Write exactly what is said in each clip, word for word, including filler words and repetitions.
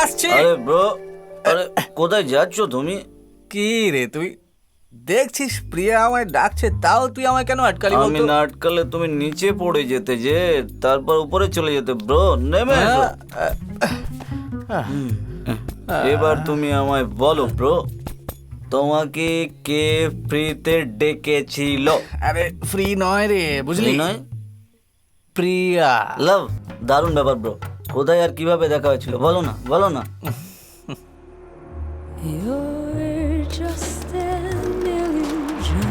আসছে। আরে ব্রো, আরে কোথায় যাচ্ছ তুমি? কি রে তুই দেখছিস প্রিয়া আমায় ডাকছে, তাও তুই আমায় কেন আটকালি আমি বলতো? না আটকালে তুমি নিচে পড়ে যেতে, যে তারপর উপরে চলে যেতে। ব্রো নেমে এসো। হুম। এবার তুমি আমায় বলো ব্রো, তোমাকে কে ফ্রিতে ডেকেছিল? আরে ফ্রি নয় রে, বুঝলি? ফ্রি নয়? প্রিয়া। লাভ, দারুণ ব্যাপার ব্রো। কোথায় আর কিভাবে দেখা হয়েছিল বলো না, বলো না। You're just an illusion,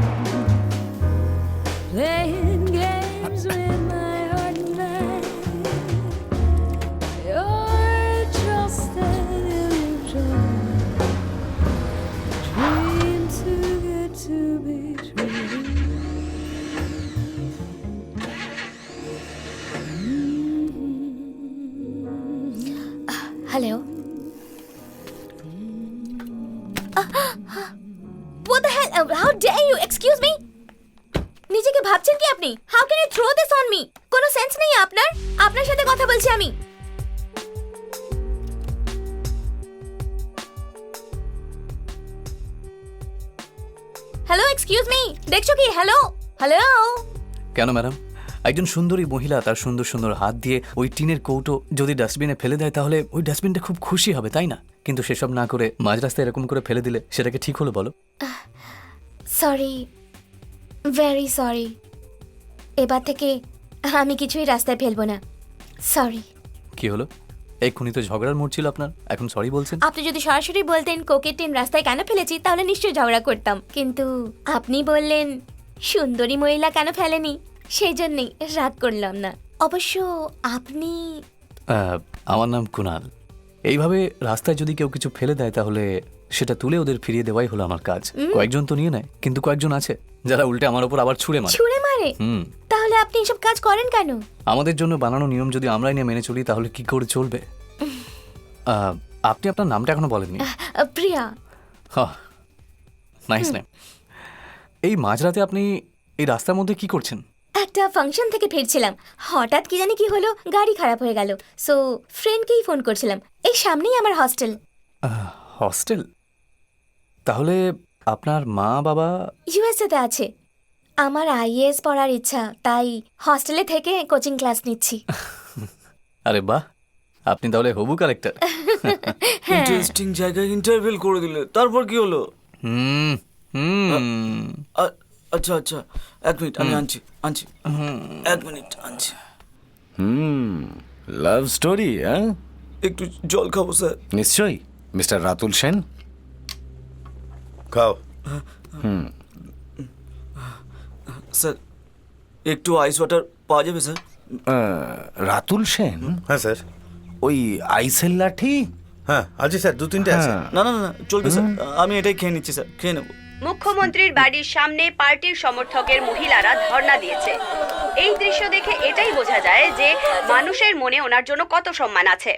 playing games with my heart and mind. You're just an illusion, dream too good to be true. Hello. What the hell? Uh, How dare you? Excuse me? নিজেকে ভাবছেন কি আপনি? How can you throw this on me? কোনো sense নেই আপনার? আপনার সাথে কথা বলছি আমি। Hello, excuse me. দেখছো কি? Hello, hello. কেন ম্যাডাম, একজন সুন্দরী মহিলা তার সুন্দর সুন্দর হাত দিয়ে ওই টিনের কৌটো যদি ডাস্টবিনে ফেলে দেয় তাহলে ওই ডাস্টবিনটা খুব খুশি হবে, তাই না? কিন্তু সেসব না করে মাঝ রাস্তায় এরকম করে ফেলে দিলে সেটাকে ঠিক হলো বলো? Sorry, very sorry. এবার থেকে আমি কিছুই রাস্তায় ফেলবো না। সরি। কি হলো? এক্ষুনি তো ঝগড়ার মোড় ছিল আপনার, এখন সরি বলছেন? আপনি যদি সরাসরি বলতেন কোকের টিন রাস্তায় কেন ফেলেছি তাহলে নিশ্চয়ই ঝগড়া করতাম, কিন্তু আপনি বললেন সুন্দরী মহিলা কেন ফেলেনি, সেই জন্যই রাগ করলাম না। অবশ্য আপনি আহ, আমার নাম কুনাল। এইভাবে রাস্তায় যদি কেউ কিছু ফেলে দেয় তাহলে সেটা তুলে ওদের ফিরিয়ে দেওয়াই হলো আমার কাজ। কয়েকজন তো নিয়ে নেয়, কিন্তু কয়েকজন আছে যারা উল্টে আমার উপর আবার ছুঁড়ে মারে। ছুঁড়ে মারে? হুম। তাহলে আপনি এসব কাজ করেন কেন? আমাদের জন্য বানানো নিয়ম যদি আমরাই না মেনে চলি তাহলে কি করে চলবে? আহ, আপনি আপনার নামটা এখনো বলেননি। আহ, প্রিয়া। Nice name. এই মাঝরাতে আপনি এই রাস্তার মধ্যে কি করছেন? একটা ফাংশন থেকে ফিরছিলাম, হঠাৎ কি জানি কি হলো, গাড়ি খারাপ হয়ে গেল। সো ফ্রেন্ডকেই ফোন করছিলাম। এই সামনেই আমার হস্টেল। হস্টেল? তাহলে আপনার মা বাবা? ইউএসএতে আছে। আমার আইএএস পড়ার ইচ্ছা, তাই হস্টেলে থেকে কোচিং ক্লাস নিচ্ছি। আরে বাহ, আপনি তাহলে হবু কালেক্টর। ইন্টারেস্টিং জায়গায় ইন্টারভিউ করে দিলে, তারপর কি হলো? হুম হুম আ- আচ্ছা আচ্ছা, এক মিনিট, আমি আনছি আনছি এক মিনিট আনছি। হুম, লাভ স্টোরি, হ্যাঁ? একটু জল খাবো স্যার। নিশ্চয়ই। মিস্টার রাতুল সেন, খাও। স্যার একটু আইস ওয়াটার পাওয়া যাবে স্যার? আহ, রাতুল সেন, হ্যাঁ স্যার। ওই আইসেল লাঠি? হ্যাঁ আছে স্যার, দু তিনটে আছে। হ্যাঁ। না না না না, চলবে স্যার, আমি এটাই খেয়ে নিচ্ছি স্যার, খেয়ে নেবো। মুখ্যমন্ত্রীর বাড়ির সামনে পার্টির সমর্থকের মহিলারা ধর্ণা দিয়েছে। এই দৃশ্য দেখে এটাই বোঝা যায় যে মানুষের মনে ওনার জন্য কত সম্মান আছে।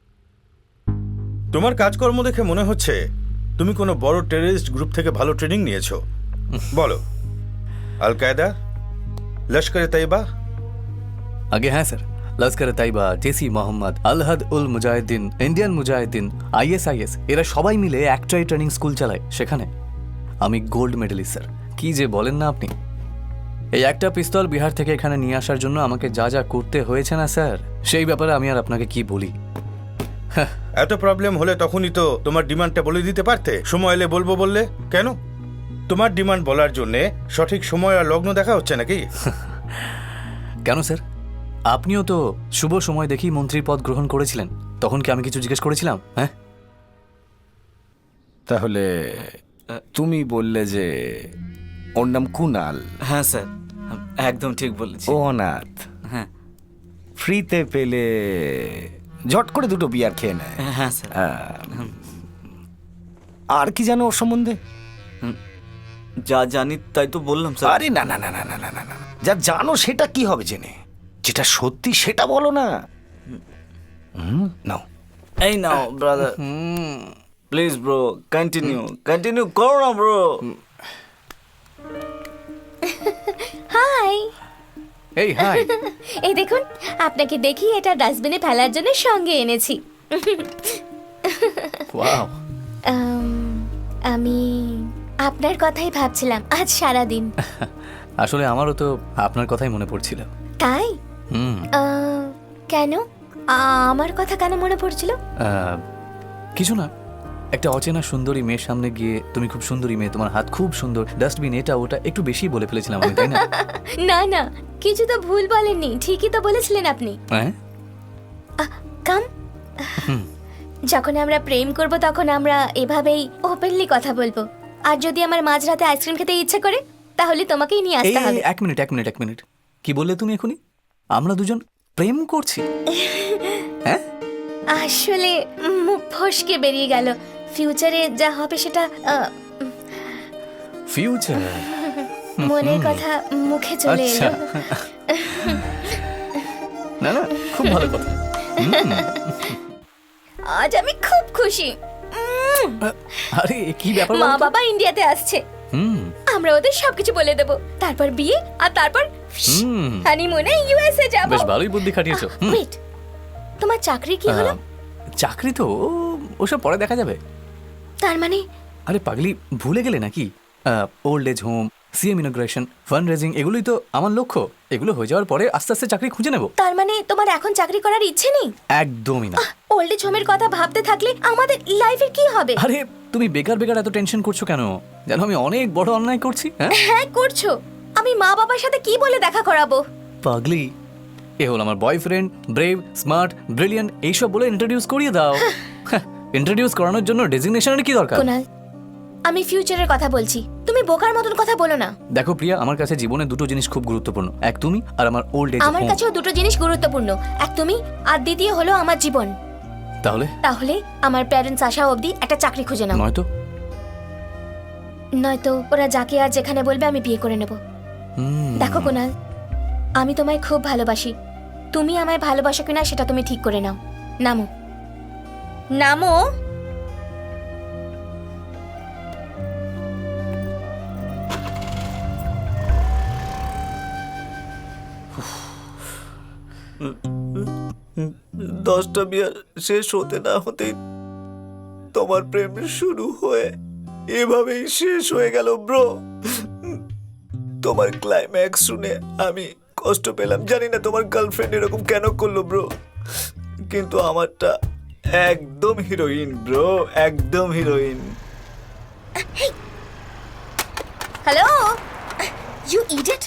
তোমার কাজকর্ম দেখে মনে হচ্ছে তুমি কোনো বড় টেররিস্ট গ্রুপ থেকে ভালো ট্রেনিং নিয়েছো। বলো, আল কায়দা, লস্করে তৈবা? আগে হ্যাঁ স্যার, লস্কর তাইবা, জেসি মোহাম্মদ, আলহাদ উল মুজাহিদিন, ইন্ডিয়ান মুজাহিদিন, আইএসআইএস, এরা সবাই মিলে একটাই ট্রেনিং স্কুল চালায়। সেখানে আমি গোল্ড মেডেলিস্ট স্যার। কি যে বলেন না আপনি! এই একটা পিস্তল বিহার থেকে এখানে নিয়ে আসার জন্য আমাকে যা যা করতে হয়েছে না স্যার, সেই ব্যাপারে আমি আর আপনাকে কি বলি। এত প্রবলেম হলে তখনই তো তোমার ডিমান্ডটা বলে দিতে পারতে। সময় এলে বলবো বললে কেন? তোমার ডিমান্ড বলার জন্যে সঠিক সময় আর লগ্ন দেখা হচ্ছে নাকি? কেন স্যার, আপনিও তো শুভ সময় দেখেই মন্ত্রীর পদ গ্রহণ করেছিলেন, তখন কি আমি কিছু জিজ্ঞেস করেছিলাম? হ্যাঁ, তাহলে তুমি বললে যে ওর নাম কুনাল। হ্যাঁ স্যার, একদম ঠিক বলেছি। ও অনাথ, হ্যাঁ ফ্রিতে পেলে ঝট করে দুটো বিয়ার খেয়ে নেয়। হ্যাঁ স্যার। হ্যাঁ। আর কি জানো ওর সম্বন্ধে? যা জানি তাই তো বললাম স্যার। আরে না না না না না না না না, যা জানো সেটা কি হবে জেনে? যেটা সত্যি সেটা বলো না। হুম, নাও। এই নাও brother, please bro, continue continue করো না ব্রো। হাই। এই হাই। এই দেখুন, আপনাকে দেখি এটা ডাস্টবিনে ফেলার জন্য সঙ্গে এনেছি। ওয়াও। আম, আমি আপনার কথাই ভাবছিলাম আজ সারা দিন। আসলে আমারও তো আপনার কথাই মনে পড়ছিল। তাই? হুম। আহ, কেন? আমার কথা কেন মনে পড়ছিল? আহ, কিছু না, একটা অচেনা সুন্দরী মেয়ের সামনে গিয়ে তুমি খুব সুন্দরী মেয়ে, তোমার হাত খুব সুন্দর, ডাস্টবিন এটা ওটা একটু বেশি বলে ফেলেছিলাম আমি, তাই না? না না, কিছু তো ভুল বলেননি, ঠিকই তো বলেছিলেন আপনি। হ্যাঁ। কাম, যখন আমরা প্রেম করব তখন আমরা এভাবেই ওপেনলি কথা বলবো। আর যদি আমার মাঝরাতে আইসক্রিম খেতে ইচ্ছে করে তাহলে তোমাকেই নিয়ে এই আসতে হবে। এক মিনিট এক মিনিট এক মিনিট কি বললে তুমি এখনই? আমরা দুজন প্রেম করছি? হ্যাঁ। আসলে মুখ ফসকে বেরিয়ে গেল। ফিউচারে যা হবে সেটা আহ, ফিউচার। মনের কথা মুখে চলে আচ্ছা। এলো। না না, খুব ভালো কথা। আজ আমি খুব খুশি। উম, আরে কি ব্যাপার মা বলো তো? বাবা ইন্ডিয়াতে আসছে, হুম আমরা ওদের সবকিছু বলে দেব, তারপর বিয়ে, আর তারপর হুম হানিমুনে ইউএসএ যাব। বেশ ভালোই বুদ্ধি খাটিয়েছো। হুম। ওয়েট, তোমার চাকরি কি হলো? আহ, চাকরি তো ও- ওসব পরে দেখা যাবে। তার মানে আরে পাগলি, ভুলে গেলে নাকি? Old age home, CM inauguration, fund raising, এগুলোই তো আমার লক্ষ্য। এগুলো হয়ে যাওয়ার পরে আস্তে আস্তে চাকরি খুঁজে নেব। তার মানে তোমার এখন চাকরি করার ইচ্ছে নেই? একদমই না। ওল্ড এজ হোমের কথা ভাবতে থাকলে আমাদের লাইফের কি হবে? আরে তুমি বেকার বেকার এত টেনশন করছো কেন? জানো আমি অনেক বড় অন্যায় করছি। হ্যাঁ হ্যাঁ করছো। আমি মা বাবার সাথে কি বলে দেখা করাবো? পাগলি, এ হল আমার বয়ফ্রেন্ড, ব্রেভ, স্মার্ট, ব্রিলিয়ান্ট, এইসব বলে ইন্ট্রোডিউস করিয়ে দাও। ইন্ট্রোডিউস করানোর জন্য ডেজিগনেশনের কি দরকার? কুনাল, আমি ফিউচারের কথা বলছি, তুমি বোকার মতন কথা বলো না। দেখো প্রিয়া, আমার কাছে জীবনে দুটো জিনিস খুব গুরুত্বপূর্ণ, এক তুমি আর আমার ওল্ড এজ আমার হোম। কাছেও দুটো জিনিস গুরুত্বপূর্ণ, এক তুমি আর দ্বিতীয় হলো আমার জীবন। তাহলে তাহলে আমার প্যারেন্টস আসা অবধি একটা চাকরি খুঁজে নাও, নয়তো? নয়তো ওরা যাকে আর যেখানে বলবে আমি বিয়ে করে নেব। হুম, দেখো কুনাল, আমি তোমায় খুব ভালোবাসি, তুমি আমায় ভালোবাসো কিনা সেটা তুমি ঠিক করে নাও। নামো নামো। দশটা বিয়ার শেষ হতে না হতেই তোমার প্রেম শুরু হয়ে এভাবেই শেষ হয়ে গেল ব্রো। তোমার ক্লাইম্যাক্স শুনে আমি কষ্ট পেলাম, জানি না তোমার গার্লফ্রেন্ড এরকম কেন করলো ব্রো, কিন্তু আমারটা একদম হিরোইন ব্রো, একদম heroine. Hello, you idiot.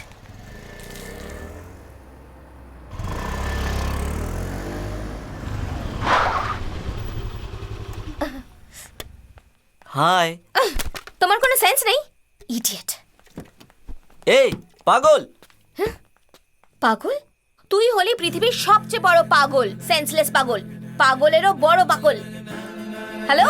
Hi. তোমার কোনো সেন্স নেই, ইডিয়েট। এই পাগল, পাগল? তুই হলি পৃথিবীর সবচেয়ে বড় পাগল, সেন্সলেস পাগল, পাগলেরও বড় পাগল। হ্যালো,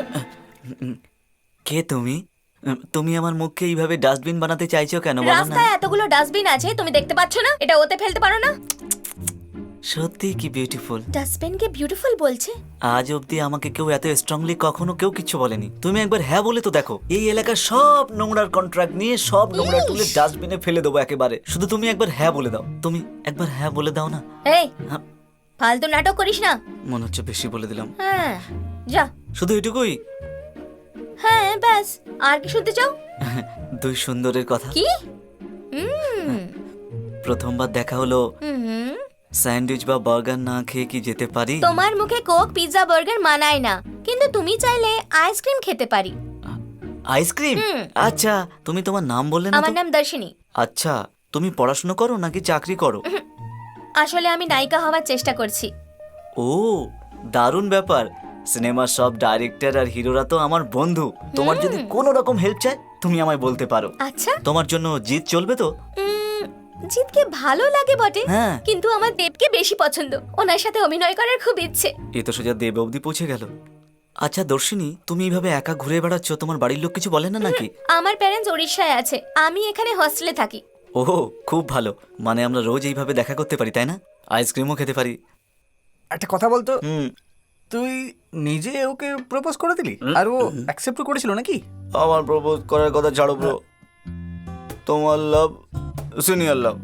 কে তুমি? তুমি আমার মুখকে এইভাবে ডাস্টবিন বানাতে চাইছো কেন বলো না? রাস্তায় এতগুলো ডাস্টবিন আছে, তুমি দেখতে পাচ্ছ না? এটা ওতে ফেলতে পারো না? সত্যি কি বিউটিফুল। ডাস্টবিনকে বিউটিফুল বলছে? আজ অবধি আমাকে কেউ এত স্ট্রংলি কখনো কেউ কিছু বলেনি। তুমি একবার হ্যাঁ বলে তো দেখো, এই এলাকার সব নোংরার কন্ট্রাক্ট নিয়ে সব নোংরা তুলে ডাস্টবিনে ফেলে দেবো একেবারে। শুধু তুমি একবার হ্যাঁ বলে দাও, তুমি একবার হ্যাঁ বলে দাও না। এই হ্যাঁ, ফালতু নাটক করিস না। মনে হচ্ছে বেশি বলে দিলাম। হ্যাঁ যা। শুধু এটুকুই? হ্যাঁ ব্যাস, আর কি শুনতে চাও? দুই সুন্দরের কথা। কি? হুম প্রথমবার দেখা হলো, হুম। স্যান্ডউইচ বা বার্গার না খেয়ে কি যেতে পারি? তোমার মুখে কোক, পিৎজা, বার্গার মানায় না, কিন্তু তুমি চাইলে আইসক্রিম খেতে পারি। আইসক্রিম? হুম। আচ্ছা, তুমি তোমার নাম বললে না আমার তো? নাম দর্শিনী। আচ্ছা, তুমি পড়াশোনা করো নাকি চাকরি করো? আসলে আমি নায়িকা হওয়ার চেষ্টা করছি। ও, দারুণ ব্যাপার। সিনেমার সব ডাইরেক্টর আর হিরোরা তো আমার বন্ধু। তোমার যদি কোনো রকম হেল্প চাই তুমি আমায় বলতে পারো। আচ্ছা, তোমার জন্য জিত চলবে তো? উম, জিতকে ভালো লাগে বটে, হ্যাঁ। কিন্তু আমার দেবকে বেশি পছন্দ, ওনার সাথে অভিনয় করার খুব ইচ্ছে। এ তো সোজা দেব অবধি পৌঁছে গেল। আচ্ছা দর্শিনী, তুমি এইভাবে একা ঘুরে বেড়াচ্ছ, তোমার বাড়ির লোক কিছু বলে না নাকি? আমার প্যারেন্টস ওড়িশায় আছে, আমি এখানে হস্টেলে থাকি। ও, খুব ভালো। মানে আমরা রোজ এইভাবে দেখা করতে পারি, তাই না? আইসক্রিমও খেতে পারি। একটা কথা বলতো, হুম। তুই নিজে ওকে প্রপোজ করে দিলি আর ও অ্যাকসেপ্ট করেছিল নাকি? আমার প্রপোজ করার কথা ছাড়ো ব্রো, তোমার লাভ সিনিয়র লাভ।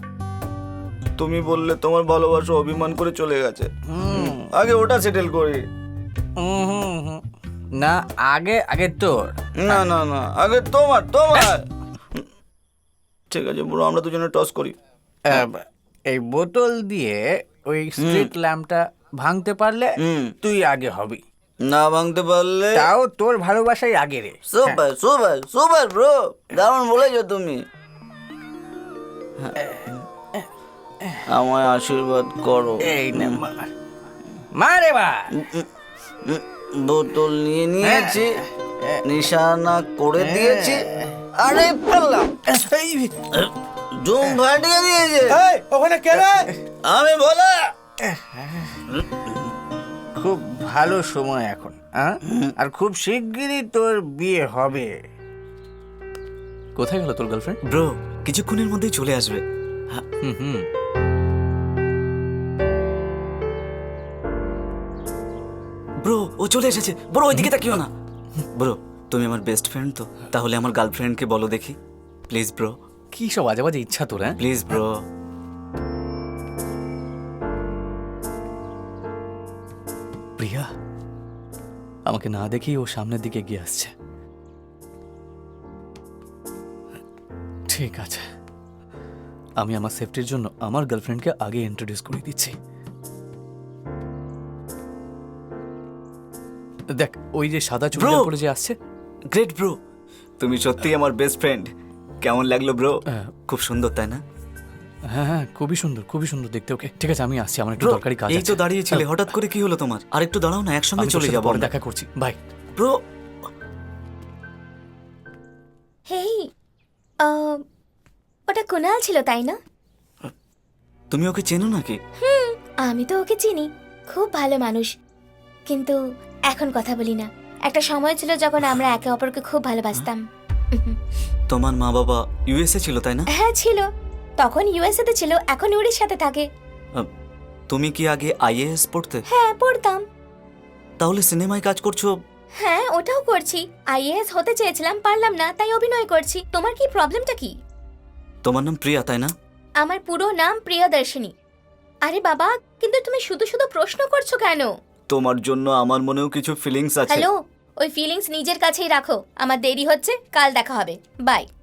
তুমি বললে তোমার ভালোবাসা অভিমান করে চলে গেছে, আগে ওটা সেটেল করি। উম হুম হুম। না আগে আগে তোর। না না না আগে তোমার তোমার ঠিক আছে ব্রো, আমরা দুজনে টস করি। আহ, এই বোতল দিয়ে ওই স্ট্রিট ল্যাম্পটা ভাঙতে পারলে হুম। তুই আগে হবি। না ভাঙতে পারলে? তাও তোর ভালোবাসাই আগে রে। সুপার সুপার সুপার ব্রো, দারুণ বলেছো তুমি। আমায় আশীর্বাদ করো। এই নে মার মারে মার। বোতল নিয়ে নিয়েছি, নিশানা করে দিয়েছি, আরে পারলাম জুম ফাটিয়ে দিয়েছে। ওখানে কে রে? আমি বলা খুব ভালো সময় এখন, হ্যাঁ? আর খুব শিগগিরই তোর বিয়ে হবে। কোথায় গেল তোর গার্লফ্রেন্ড? ব্রো কিছুক্ষণের মধ্যেই চলে আসবে। হুম হুম ব্রো ও চলে এসেছে। ব্রো ওইদিকে তাকিও না। ব্রো তুমি আমার বেস্ট ফ্রেন্ড তো, তাহলে আমার গার্লফ্রেন্ডকে বলো দেখি প্লিজ ব্রো। কি সব আজে বাজে ইচ্ছা তোর, হ্যাঁ? Please bro. প্রিয়া আমাকে না দেখেই ও সামনের দিকে এগিয়ে আসছে। ঠিক আছে, আমি আমার সেফটির জন্য আমার গার্লফ্রেন্ডকে আগে ইন্ট্রোডিউস করে দিচ্ছি। দেখ ওই যে সাদা চুড়িদার Bro! পরে যে আসছে। গ্রেট ব্রো, তুমি সত্যি আমার বেস্ট ফ্রেন্ড। কেমন লাগলো ব্রো? হ্যাঁ। খুব সুন্দর তাই না? হ্যাঁ হ্যাঁ খুবই সুন্দর, খুবই সুন্দর দেখতে ওকে। ঠিক আছে আমি আসছি, আমার একটু ব্রো দরকারি কাজ এই আছে। তো দাঁড়িয়েছিলে, হঠাৎ করে কি হলো তোমার? আর একটু দাঁড়াও না, একসঙ্গে আমি তোর চলে সাথে যাবো পরে আমরা। দেখা করছি, বাই। ব্রো হেই, আহ, ওটা কুনাল ছিল তাই না? তুমি ওকে চেনো নাকি? হুম, আমি তো ওকে চিনি, খুব ভালো মানুষ। কিন্তু এখন কথা বলি না। একটা সময় ছিল যখন আমরা একে অপরকে খুব ভালোবাসতাম। তোমার মা বাবা ইউএসএ ছিল তাই না? হ্যাঁ ছিল, তখন ইউএসএ তে ছিল, এখন উড়িষ্যাতে থাকে। আহ, তুমি কি আগে আইএএস পড়তে? হ্যাঁ পড়তাম। তাহলে সিনেমায় কাজ করছো? হ্যাঁ ওটাও করছি। আইএএস হতে চেয়েছিলাম, পারলাম না, তাই অভিনয় করছি। তোমার কি প্রবলেমটা কি? তোমার নাম প্রিয়া তাই না? আমার পুরো নাম প্রিয়দর্শিনী। আরে বাবা, কিন্তু তুমি শুধু শুধু প্রশ্ন করছো কেন? তোমার জন্য আমার মনেও কিছু ফিলিংস আছে। হ্যালো, ওই ফিলিংস নিজের কাছেই রাখো। আমার দেরি হচ্ছে, কাল দেখা হবে, বাই।